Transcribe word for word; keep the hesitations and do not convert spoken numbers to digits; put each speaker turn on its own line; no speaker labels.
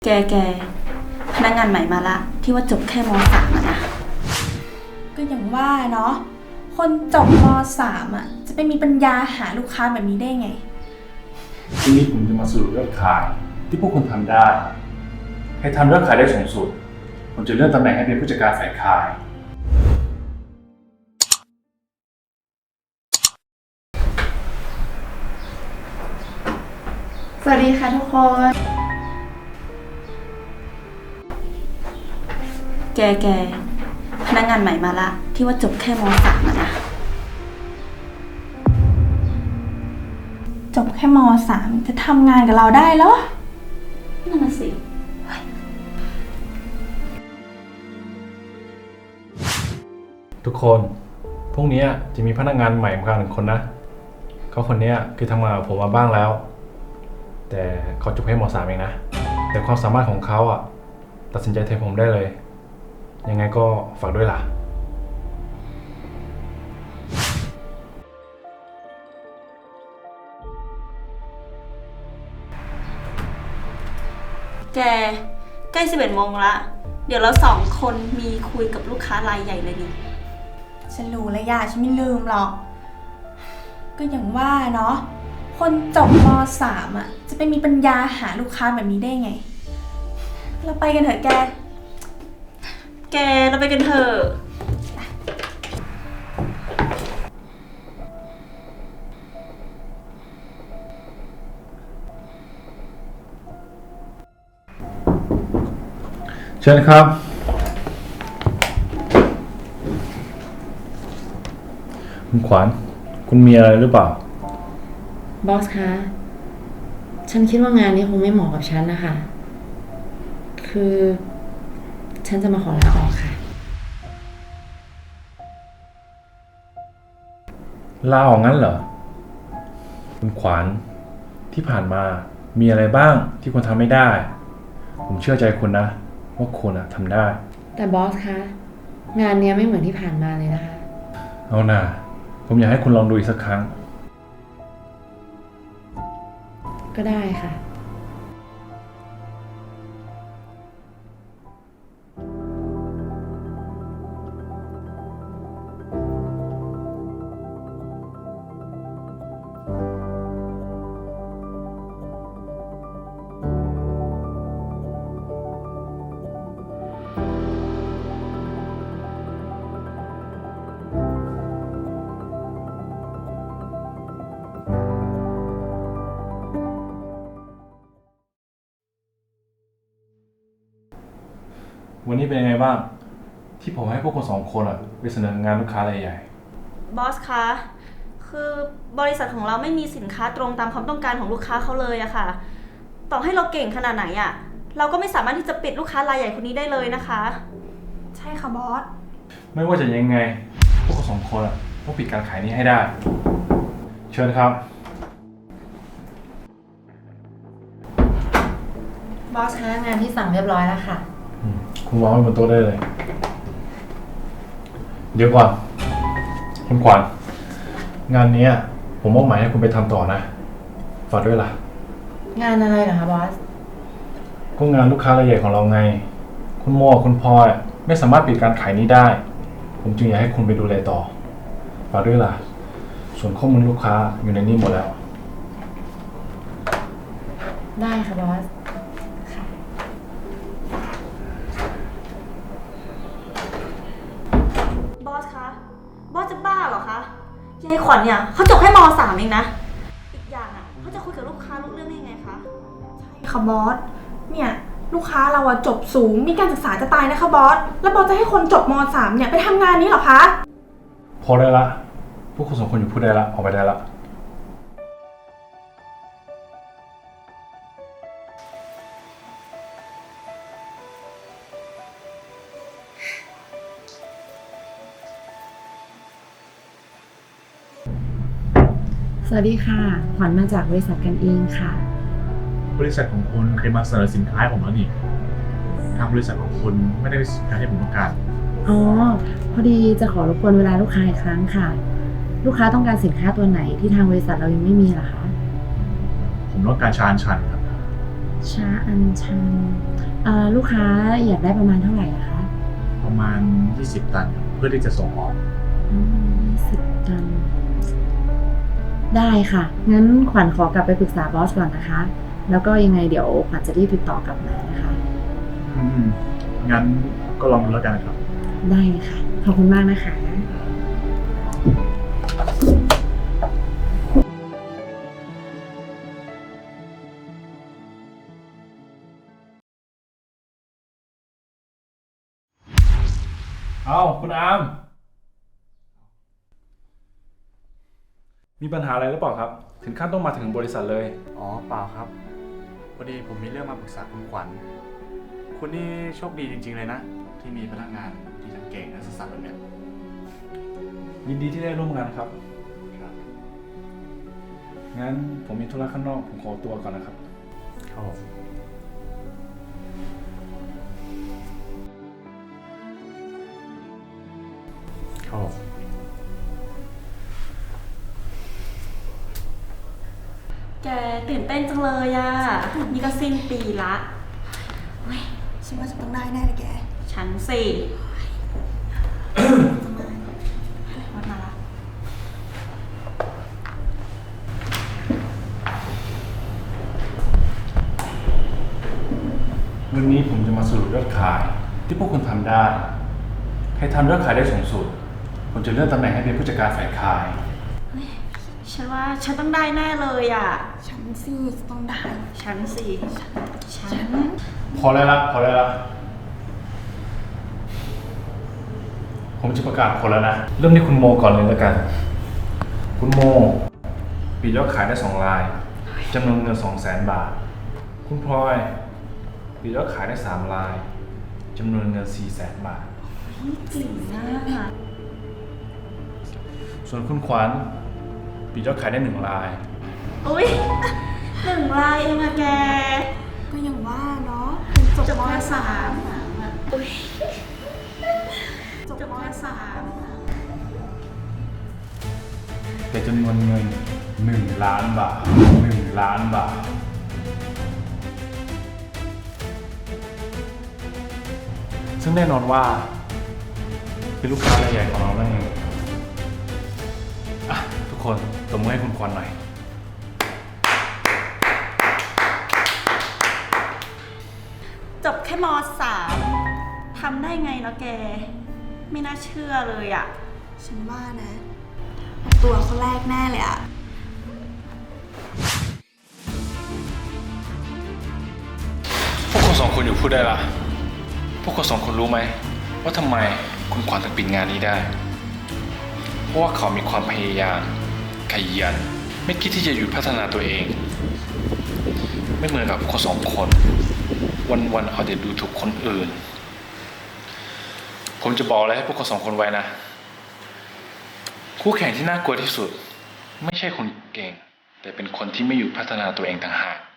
แกแกพนักงานใหม่มาละที่ว่าจบแค่มสามอะนะ
ก็อย่างว่าเนาะคนจบมสามอ่ะจะไปมีปัญญาหาลูกค้าแบบนี้ได้ไง
ทีนี้ผมจะมาสรุปยอดขายที่พวกคุณทำได้ให้ทำยอดขายได้สูงสุดผมจะเลื่อนตำแหน่งให้เป็นผู้จัดการฝ่ายขาย
สวัสดีค่ะทุกคน
แกแกพนักงานใหม่มาละที่ว่าจบแค่มสามอะนะ
จบแค่มสามจะทำงานกับเราได้เหรอ
นั่นน่ะสิ
ทุกคนพรุ่งนี้จะมีพนักงานใหม่มาหนึ่งคนนะเขาคนนี้คือทำงานกับผมมาบ้างแล้วแต่เขาจบแค่มสามเองนะแต่ความสามารถของเขาอ่ะตัดสินใจแทนผมได้เลยยังไงก็ฝากด้วยล่ะ
แกใกล้สิบเอ็ดโมงละเดี๋ยวเราสองคนมีคุยกับลูกค้ารายใหญ่เลยดิ
ฉันรู้แล้วย่าฉันไม่ลืมหรอกก็อย่างว่าเนาะคนจบมสามอ่ะจะไปมีปัญญาหาลูกค้าแบบนี้ได้ไงเราไปกันเถอะแก
แกเราไปกันเถอะ
เชิญครับคุณขวัญคุณมีอะไรหรือเปล่า
บอสคะฉันคิดว่างานนี้คงไม่เหมาะกับฉันนะคะคือฉันจะมาขอลาออกค่ะ
ลาออกงั้นเหรอคุณขวัญที่ผ่านมามีอะไรบ้างที่คุณทำไม่ได้ผมเชื่อใจคุณนะว่าคุณอะทำได้
แต่บอสคะงานเนี้ยไม่เหมือนที่ผ่านมาเลยนะคะ
เอาหน่าผมอยากให้คุณลองดูอีกสักครั้ง
ก็ได้ค่ะ
วันนี้เป็นยังไงบ้างที่ผมให้พวกคุณสองคนอะไปเสนองานลูกค้ารายใหญ่
บอสคะคือบริษัทของเราไม่มีสินค้าตรงตามความต้องการของลูกค้าเขาเลยอะค่ะต่อให้เราเก่งขนาดไหนอะเราก็ไม่สามารถที่จะปิดลูกค้ารายใหญ่คนนี้ได้เลยนะคะ
ใช่ค่ะบอส
ไม่ว่าจะยังไงพวกคุณสองคนอะต้องปิดการขายนี้ให้ได้เชิญครับ
บอสคะงานที่สั่งเรียบร้อยแล้วค่ะ
คุณวางไว้บนโต๊ะได้เลยเดี๋ยวก่อนคุณขวัญงานนี้ผมมอบหมายให้คุณไปทำต่อนะฝากด้วยล่ะ
งานอะไรเหรอคะบอส
ก็งานลูกค้ารายใหญ่ของเราไงคุณโมคุณพลอยไม่สามารถปิดการขายนี้ได้ผมจึงอยากให้คุณไปดูแลต่อฝากด้วยล่ะส่วนข้อมูลลูกค้าอยู่ในนี้หมดแล้ว
ได้ค่ะบอส
บอสคะบอสจะบ้าเหรอคะยายขวัญเนี่ยเขาจบแค่มสามเองนะอีกอย่างอ่ะเขาจะคุยกับลูกค้ารู้เรื่องได้ยังไงคะ
ใช่ค่ะบอสเนี่ยลูกค้าเราอะจบสูงมีการศึกษาจะตายนะคะบอสแล้วบอสจะให้คนจบมสามเนี่ยไปทำงานนี้เหรอคะ
พอได้ละพวกคุณสองคนอยู่พูดได้ละออกไปได้ละ
สวัสดีค่ะขวัญมาจากบริษัทกันเองค่ะ
บริษัทของคุณเคยมาเสนอสินค้าให้ผมแล้วนี่ทางบริษัทของคุณไม่ได้สินค้าที่ผมต้องการ
อ๋อพอดีจะขอรบกวนเวลาลูกค้าอีกครั้งค่ะลูกค้าต้องการสินค้าตัวไหนที่ทางบริษัทเรายังไม่มีล่ะคะ
ผมต้องการชานชันครับ
ชาอัญชันเอ่อลูกค้าอยากได้ประมาณเท่าไหร่อะคะ
ประมาณ ยี่สิบ ตัน เพื่อที่จะส่งออก
อืมสิบตัน ได้ค่ะ งั้นขวัญขอกลับไปปรึกษาบอสก่อนนะคะ แล้วก็ยังไงเดี๋ยวขวัญจะรีบติดต่อกลับมานะคะ
อืม งั้นก็ลองดูแล้วกันครับ
ได้ค่ะ ขอบคุณมากนะคะ
เอาคุณอาร์มมีปัญหาอะไรหรือเปล่าครับ ถึงขั้นต้องมาถึงบริษัทเลย
อ๋อ เปล่าครับ พอดีผมมีเรื่องมาปรึกษาคุณขวัญ คุณนี่โชคดีจริงๆเลยนะ ที่มีพนักงานที่ทั้งเก่งและซื่อสัตย์แบบเนี้ย
ยินดีที่ได้ร่วมงานครับ
ครับ
งั้นผมมีธุระข้างนอก ผมขอตัวก่อนนะครับ
ครับผม ครับผม
แกตื่นเต้นจังเลยอะนี่ก็สิ้นปีละ
ฉันว่าจะต้องได้แน่เลยแก
ฉันสิ วัดมาละ
วันนี้ผมจะมาสรุปยอดขายที่พวกคุณทำได้ ใครทำยอดขายได้สูงสุด ผมจะเลื่อนตำแหน่งให้เป็นผู้จัดการฝ่ายขาย
ฉันว่าฉันต้องได้แน่เลยอะ
ฉันสิจะต้องได้
ฉันสิ ฉัน
พอแล้วละพอแล้วละผมจะประกาศผลแล้วนะ เริ่มที่คุณโมก่อนเลยแล้วกัน คุณโมปิดยอดขายได้สองรายจำนวนเงินสองแสนบาท คุณพลอยปิดยอดขายได้สามรายจำนวนเงินสี่แสนบาท
จริงนะ
ส่วนคุณขวัญปิดยอดขายได้หนึ่งราย
อุ้ยหนึ่งลายเองอะแก
ก็ยังว่าเนาะเป็นจบ
จบ
ม
ม
สา
สาม มอุ้ยจบมสาม
แต่จำนวนเงินหนึ่งล้านบาทหนึ่งล้านบาท ซึ่งแน่นอนว่า เป็นลูกค้ารายใหญ่ของเรานั่นเองอ่ะทุกคนตบมือให้คุณควันหน่อย
จบแค่มสามทำได้ไงเนาะแก ไม่น่าเชื่อเลยอะ
ฉันว่านะเอาตัวเขาแรกแน่เลยอะ
พวกคุณสองคนอยู่พูดได้ละพวกคุณสองคนรู้ไหมว่าทำไมคุณขวัญถึงปิดงานนี้ได้ เพราะว่าเขามีความพยายามขยันไม่คิดที่จะหยุดพัฒนาตัวเอง ไม่เหมือนกับคนสองคน วันๆเอาแต่ดูถูกคนอื่น ผมจะบอกอะไรให้พวกคุณสองคนไว้นะ คู่แข่งที่น่ากลัวที่สุด ไม่ใช่คนเก่ง แต่เป็นคนที่ไม่หยุดพัฒนาตัวเองต่างหาก